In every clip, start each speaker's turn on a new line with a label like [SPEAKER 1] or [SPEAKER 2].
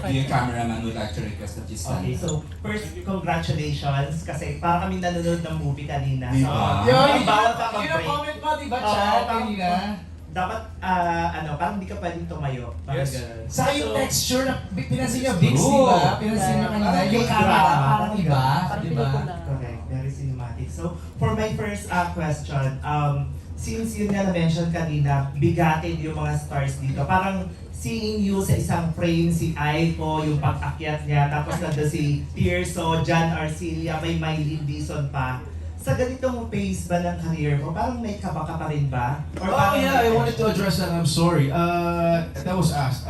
[SPEAKER 1] yung cameraman would like to request that you stand.
[SPEAKER 2] Okay, so first, congratulations kasi parang kami nanonood ng movie kanina.
[SPEAKER 1] Di
[SPEAKER 2] So,
[SPEAKER 1] ba?
[SPEAKER 2] bawal ka
[SPEAKER 3] Yun ang
[SPEAKER 2] mag-break.
[SPEAKER 3] comment mo, di ba,
[SPEAKER 2] Oo,
[SPEAKER 3] Chad?
[SPEAKER 2] parang-
[SPEAKER 3] Kanina.
[SPEAKER 2] Dapat, parang di ka pwedeng tumayo. Parang
[SPEAKER 3] Yes.
[SPEAKER 2] ganun.
[SPEAKER 3] Sa yung
[SPEAKER 2] So,
[SPEAKER 3] texture na pinansin niyo, Vix, di
[SPEAKER 1] True.
[SPEAKER 3] ba? Pinansin niyo kanina.
[SPEAKER 2] Parang
[SPEAKER 3] Yung
[SPEAKER 2] fake
[SPEAKER 3] camera,
[SPEAKER 2] drama.
[SPEAKER 3] parang iba.
[SPEAKER 4] Parang
[SPEAKER 3] Di ba?
[SPEAKER 4] pelikula.
[SPEAKER 2] Correct, very cinematic. So, for my first question, since yun nga na-mention kanina, bigatin yung mga stars dito. Parang seeing you sa isang frame, si Aiko, yung pag-akyat niya, tapos nandun si Tirso, John Arcilia, may Mylene Dizon pa. Sa ganitong phase ba ng career mo, parang may kaba ka pa rin ba? Or
[SPEAKER 5] Oh
[SPEAKER 2] parang
[SPEAKER 5] yeah, I wanted to address that. I'm sorry. That was asked.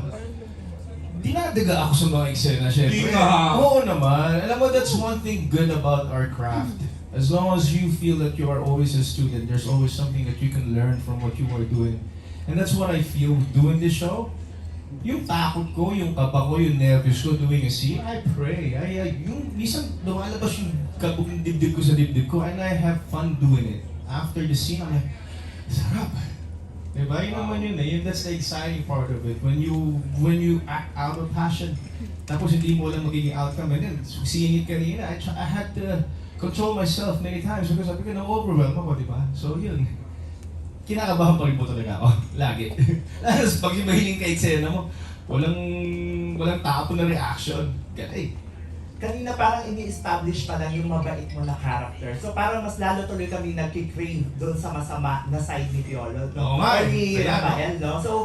[SPEAKER 5] Dinadaga ako sa mga eksena, syempre.
[SPEAKER 1] Di nga.
[SPEAKER 5] Oo naman. Alam mo, that's one thing good about our craft. As long as you feel that you are always a student, there's always something that you can learn from what you are doing. And that's what I feel doing this show. Yung takot ko, yung kaba ko, yung nervous ko doing a scene, I pray. Yung minsan lumalabas yung kabog ng dibdib ko sa dibdib ko and I have fun doing it. After the scene, I'm like, sarap. Diba? Yun naman yun eh. That's the exciting part of it. When you act out of passion, tapos hindi mo lang magiging outcome. And then, seeing it kanina, I had to control myself many times because sabi ko, na-overwhelm ako, diba? So yun. Kinakabahan pa rin po talaga ako. Lagi. Tapos pag yung mahiling ka eksena mo, walang tapo na reaction. Ganay.
[SPEAKER 2] kanina parang ini-establish pa lang yung mabait mo na character. So parang mas lalo tuloy kami nagki-crave doon sa masama na side ni Piolo.
[SPEAKER 5] Oo nga,
[SPEAKER 2] Or ni
[SPEAKER 5] kaya, no?
[SPEAKER 2] Rafael, no? So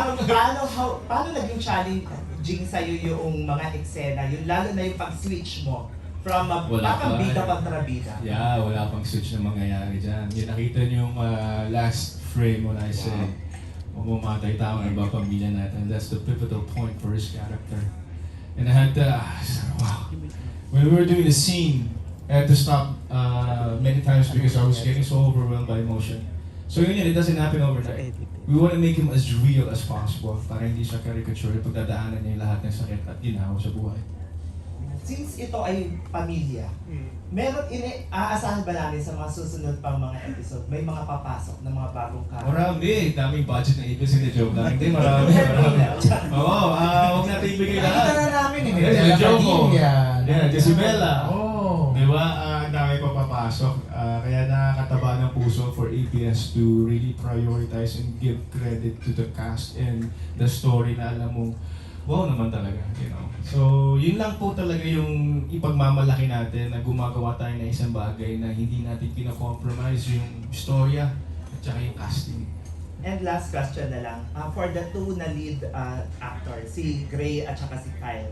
[SPEAKER 2] paano naging challenging sa'yo yung mga eksena, yung lalo na yung pag-switch mo from
[SPEAKER 5] Wala
[SPEAKER 2] parang
[SPEAKER 5] pa.
[SPEAKER 2] bida kontrabida.
[SPEAKER 5] Yeah, wala pang switch na mangyayari dyan. Yung nakita niyo yung last frame when I said, mamamatay tao ng ibang pamilya natin. That's the pivotal point for his character. And I had to, wow. When we were doing the scene, I had to stop many times because I was getting so overwhelmed by emotion. So yun, it doesn't happen overnight. We want to make him as real as possible para hindi siya caricature. Pagdadaanan niya yung lahat ng sakit at ginawa sa buhay.
[SPEAKER 2] Since ito ay pamilya, meron aasahan ba namin sa mga susunod pang mga episode, may mga papasok na mga bagong character?
[SPEAKER 5] Marami, daming budget ng ibig, hindi joke lang. Hindi, marami. Oo, huwag natin ibigay
[SPEAKER 3] Nakita
[SPEAKER 5] lahat.
[SPEAKER 3] na namin eh.
[SPEAKER 5] Yeah,
[SPEAKER 3] Bella
[SPEAKER 5] Jomo.
[SPEAKER 3] Padilla.
[SPEAKER 5] Yeah, Jezebela.
[SPEAKER 3] Oh.
[SPEAKER 5] Di ba? Ang dami pa papasok. Kaya nakakataba ng puso for ABS to really prioritize and give credit to the cast and the story na alam mo, wow naman talaga, you know. So, yun lang po talaga yung ipagmamalaki natin na gumagawa tayo ng isang bagay na hindi natin pina-compromise yung storya at saka yung casting.
[SPEAKER 2] And last question na lang, for the two na lead actors, si Gray at saka si Kyle,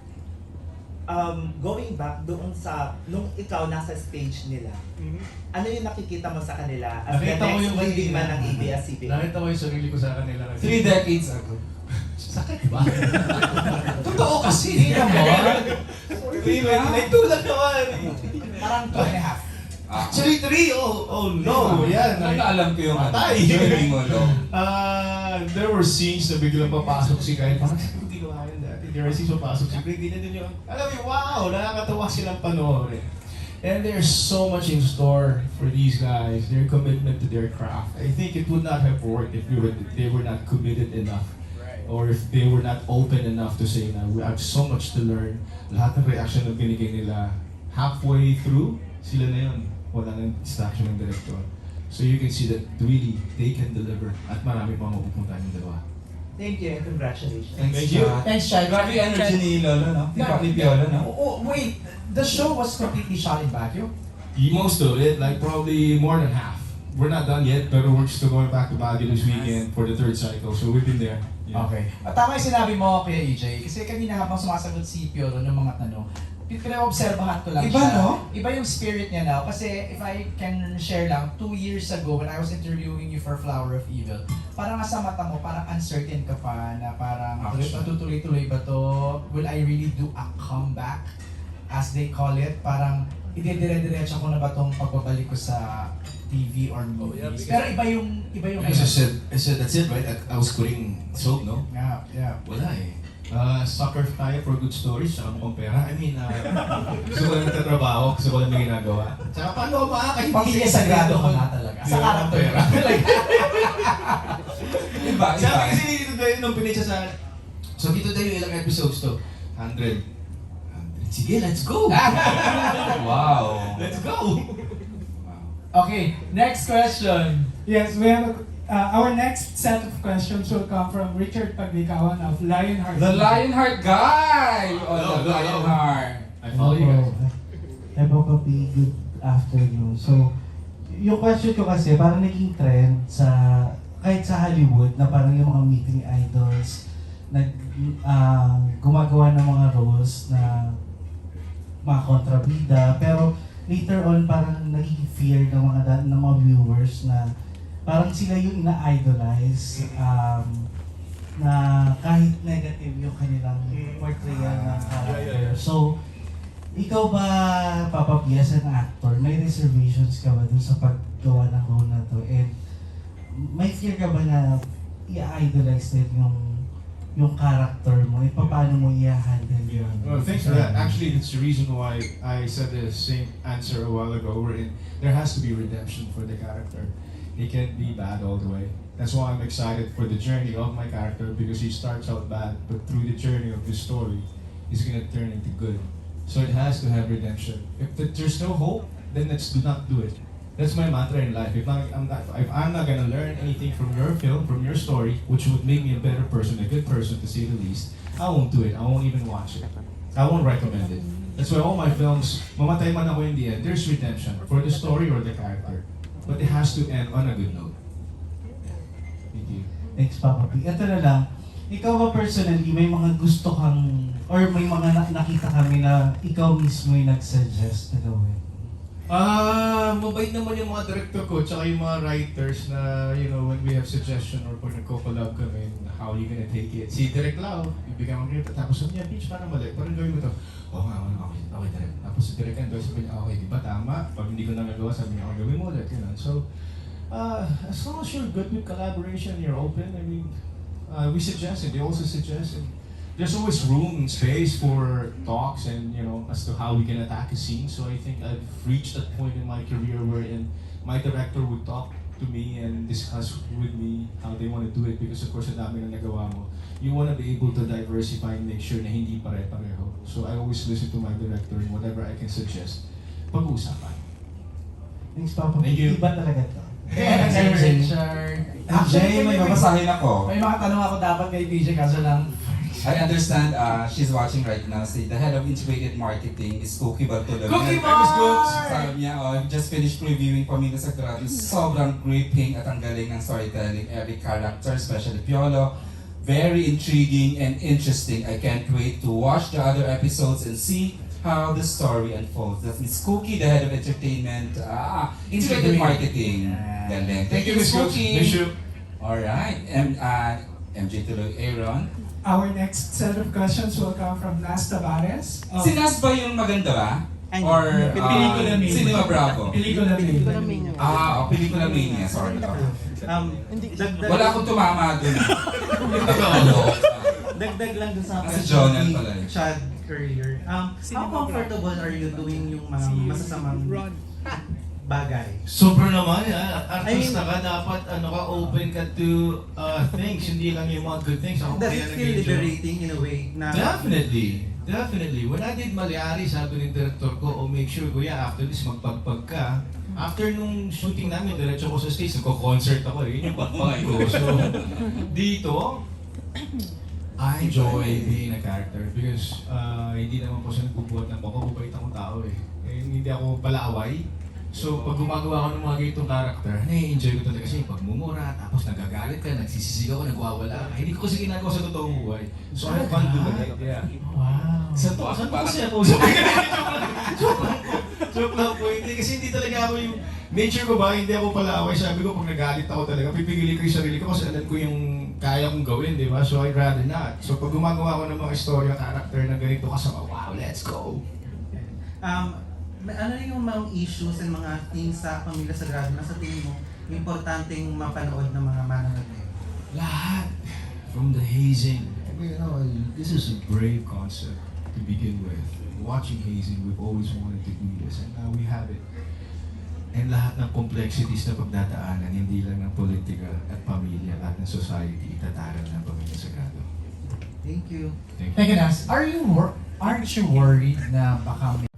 [SPEAKER 2] going back doon sa, nung ikaw nasa stage nila, ano yung nakikita mo sa kanila as the
[SPEAKER 5] Nakita ko
[SPEAKER 2] next
[SPEAKER 5] yung
[SPEAKER 2] leading man
[SPEAKER 5] kanina.
[SPEAKER 2] ng ABS-CBN?
[SPEAKER 5] Nakita ko yung sarili ko sa kanila.
[SPEAKER 1] 3 decades ago.
[SPEAKER 5] Sakit ba?
[SPEAKER 3] Totoo kasi. Hindi naman.
[SPEAKER 5] Nagtulad naman.
[SPEAKER 3] Parang 2.5.
[SPEAKER 5] Actually, 3. Oh no. Yan.
[SPEAKER 1] Nagkaalam ko yung
[SPEAKER 5] Patay.
[SPEAKER 1] journey mo, no?
[SPEAKER 5] There were scenes na biglang papasok si Kyle. Parang hindi ko kaya dati. There were scenes papasok si Greg. Ganyan din yung, alam mo, wow, nakakatawa silang panoorin. And there's so much in store for these guys. Their commitment to their craft. I think it would not have worked if they were not committed enough. Or if they were not open enough to say na we have so much to learn. Lahat ng reaction na binigay nila halfway through, sila na yun. Wala nang distraction ng director. So you can see that really they can deliver at marami pang mapupunta yung dalawa.
[SPEAKER 2] Thank you and congratulations.
[SPEAKER 1] Thanks,
[SPEAKER 5] Thank you.
[SPEAKER 1] Chad.
[SPEAKER 3] Thanks, Chad.
[SPEAKER 1] Grabe yung energy ni Lolo, no? Ni Piolo, no?
[SPEAKER 3] Oh, wait. The show was completely shot in Baguio?
[SPEAKER 5] Most of it, like probably more than half. We're not done yet, but we're still going back to Baguio this weekend for the 3rd cycle. So we've been there. Yeah.
[SPEAKER 3] Okay. At tama yung sinabi mo, Kuya EJ, kasi kanina habang sumasagot si Piolo ng mga tanong, pinaobserbahan ko lang
[SPEAKER 1] Iba,
[SPEAKER 3] siya.
[SPEAKER 1] no?
[SPEAKER 3] Iba yung spirit niya now. Kasi if I can share lang, 2 years ago when I was interviewing you for Flower of Evil, parang nasa mata mo, parang uncertain ka pa na parang matutuloy-tuloy ba to? Will I really do a comeback? As they call it, parang idedire-diretso ko na ba tong pagbabalik ko sa TV or movies? Pero iba yung
[SPEAKER 6] Because I said that's it, right? I was quitting soap, no?
[SPEAKER 3] Yeah.
[SPEAKER 6] Wala eh.
[SPEAKER 5] Sucker tayo for good stories, saka mukhang pera. I mean, gusto ko lang nagtatrabaho, gusto ko lang may ginagawa. Tsaka paano ako makakahindi
[SPEAKER 3] Pamilya sagrado ka na talaga. Sa character
[SPEAKER 5] pera.
[SPEAKER 3] ka.
[SPEAKER 1] Iba,
[SPEAKER 5] Sabi
[SPEAKER 1] iba.
[SPEAKER 5] kasi dito tayo nung pinitsa sa
[SPEAKER 6] So dito tayo ilang episodes to? 100. Sige, let's go!
[SPEAKER 1] Wow.
[SPEAKER 6] Let's go!
[SPEAKER 3] Okay, next question.
[SPEAKER 4] Yes, we have our next set of questions will come from Richard Paglikawan of Lionheart.
[SPEAKER 1] The Lionheart guy! Oh,
[SPEAKER 6] Hello,
[SPEAKER 1] the
[SPEAKER 6] hello.
[SPEAKER 1] Lionheart.
[SPEAKER 6] I follow you guys.
[SPEAKER 7] Hello, Papi. Good afternoon. So, yung question ko kasi, parang naging trend sa, kahit sa Hollywood, na parang yung mga meeting idols, gumagawa ng mga roles na mga kontrabida, pero later on parang naging fear ng mga viewers na parang sila yung ina-idolize, na kahit negative yung kanilang portrayal ng character. So, ikaw ba, Papa P, as an actor, may reservations ka ba dun sa paggawa ng role na to? And may fear ka ba na i-idolize din yung character mo? E paano mo i-handle yun?
[SPEAKER 5] Well, thanks for that. Actually, it's the reason why I said the same answer a while ago. There has to be redemption for the character. He can't be bad all the way. That's why I'm excited for the journey of my character, because he starts out bad, but through the journey of this story, he's gonna turn into good. So it has to have redemption. If there's no hope, then do not do it. That's my mantra in life. If I'm not gonna learn anything from your film, from your story, which would make me a better person, a good person to say the least, I won't do it. I won't even watch it. I won't recommend it. That's why all my films, mamatay man ako in the end, there's redemption for the story or the character. But it has to end on a good note. Thank you.
[SPEAKER 7] Thanks, Papa P. Ito na lang, ikaw ba personally, may mga gusto kang, or may mga nakita kami na ikaw mismo yung nag-suggest na gawin?
[SPEAKER 5] Mabait naman yung mga director ko, tsaka yung mga writers na, when we have suggestion or pag nagko-collab kami, how you gonna take it. Si Direk Lau, ibigay mo kayo, tapos sabi niya, Peach, parang mali, parang gawin mo to. Oo nga, okay, Direk. Tapos si Direk Ando, sabi niya, okay, di ba tama? Pag hindi ko na nagawa, sabi niya, gawin mo ulit, So, as long as you're good with collaboration, you're open, we suggest it, they also suggest it. There's always room and space for talks and as to how we can attack a scene. So I think I've reached that point in my career wherein my director would talk to me and discuss with me how they want to do it, because of course ang dami na nagawa mo. You want to be able to diversify and make sure na hindi pare-pareho. So I always listen to my director and whatever I can suggest, pag-uusapan.
[SPEAKER 7] Thanks, Papa P.
[SPEAKER 5] Thank you.
[SPEAKER 7] Iba talaga to.
[SPEAKER 3] Next, Richard.
[SPEAKER 1] Jay, may babasahin ako.
[SPEAKER 3] May mga tanong ako dapat kay PJ, kaso lang.
[SPEAKER 1] I understand she's watching right now. See, the head of integrated marketing is Cookie Bartolome.
[SPEAKER 3] Cookie
[SPEAKER 1] Miss Cooks!
[SPEAKER 3] Bar!
[SPEAKER 1] Sabi niya, I've just finished reviewing Pamilya Sagrado. Sobrang gripping at ang galing ng storytelling. Every character, especially Piolo, very intriguing and interesting. I can't wait to watch the other episodes and see how the story unfolds. That's Miss Cookie, the head of entertainment, integrated marketing. Galing. Thank you, Miss Cookie.
[SPEAKER 5] Miss you.
[SPEAKER 1] Alright, MJ tuloy, Aaron.
[SPEAKER 4] Our next set of questions will come from Nas Tavares. of-
[SPEAKER 1] Si Nas ba yung maganda ba?
[SPEAKER 2] Ay,
[SPEAKER 1] Or
[SPEAKER 4] Pelikula Mania.
[SPEAKER 1] Cinema Bravo?
[SPEAKER 4] Pelikula
[SPEAKER 8] Pelikula
[SPEAKER 4] Mania.
[SPEAKER 8] Mania.
[SPEAKER 1] Pelikula Mania. Sorry.
[SPEAKER 2] Dagdag
[SPEAKER 1] Wala akong tumama dun.
[SPEAKER 8] Dagdag lang dun sa
[SPEAKER 1] Si Jonel pala eh.
[SPEAKER 8] Chad earlier. How comfortable are you doing yung mga masasamang bagay?
[SPEAKER 5] Sobra naman, artista
[SPEAKER 8] I mean,
[SPEAKER 5] ka, dapat open ka to things, hindi lang yung mga good things. Ako
[SPEAKER 8] Does
[SPEAKER 5] kaya
[SPEAKER 8] it feel
[SPEAKER 5] nag-enjoy.
[SPEAKER 8] liberating in a way na
[SPEAKER 5] Definitely. When I did Maliari, sabi ng director ko, make sure kuya, after this magpagpag ka. After nung shooting namin, diretso ko sa stage, nagko-concert ako yun yung pagpag ko. So, dito, I enjoy being a character because hindi naman po siya nagbubuhat ng mababait akong tao eh. Hindi ako palaway. So, pag gumagawa ko ng mga ganitong character, nai-enjoy ko talaga kasi pagmumura, tapos nagagalit ka, nagsisisigaw ka, nagwawala ka. Hindi ko kasi ginagawa sa totoong buhay. So, I have fun doing it. Yeah.
[SPEAKER 7] Wow.
[SPEAKER 5] Saan po kasi ako? Joke lang po. Hindi, kasi hindi talaga ako yung nature ko ba, hindi ako palaway. Sabi ko, pag nagalit ako talaga, pipigilin ko yung sarili ko kasi alam ko yung kaya kong gawin, di ba? So I'd rather not. So pag gumagawa ko ng mga istorya, character na ganito kasama, wow, let's go!
[SPEAKER 8] ano yung mga issues and mga things sa Pamilya Sagrado na sa tingin mo importanteng mapanood ng mga manonood ngayon?
[SPEAKER 5] Lahat. From the hazing. This is a brave concept to begin with. Watching hazing, we've always wanted to do this and now we have it. And lahat ng complexities na pagdadaanan, hindi lang ng politika at pamilya, lahat ng society, itataran ng Pamilya Sagrado.
[SPEAKER 8] Thank you.
[SPEAKER 3] Teka, Nas, aren't you worried na baka